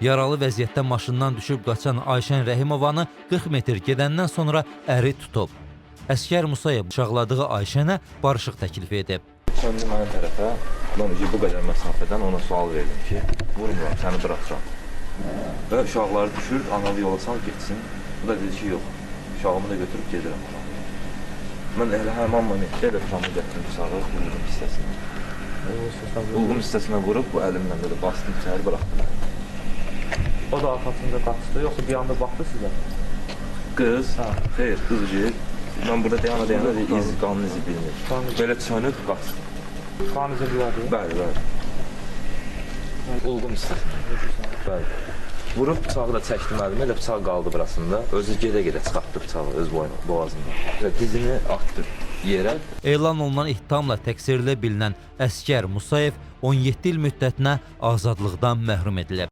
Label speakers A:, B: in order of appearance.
A: Yaralı vəziyyətdə maşından düşüb qaçan Ayşən Rəhimovanı 40 metr gedəndən sonra əri tutub. Əskər Musayev bıçaqladığı Ayşənə barışıq təklif edib.
B: Söndü mənə tərəfə, mən bu qədər məsafədən ona sual verdim ki, vurmuram, səni bıraxacam. Və uşaqları düşür, analı yola sal getsin. Bu da dedi ki, yox, uşağımı da götürüb gedirəm. Mən elə həman momentdə elə tutamı gətirim sarı, bulğum hissəsinə. Bulğum hissəsinə vurub, bu əlimlə belə bastım, içəri bıraxdım.
C: O da arxasında qaçdı, yoxsa bir anda baxdı sizə?
B: Qız, xeyr, qız deyil. Mən burada deyana iz, qanun izi bilmir. Belə çönüb, qaçdı.
C: Qan izi bilərdi?
B: Bəli, bəli. Bulğum hissəsinə. Bəli. Vurub bıçağı da çəkdim əlimə, elə bıçaq qaldı burasında. Özü gedə-gedə çıxartdı bıçağı öz boğazından. Dizini atdı yerə.
A: Elan olunan ittihamla təqsirli bilinən Əskər Musayev 17 il müddətinə azadlıqdan məhrum edilib.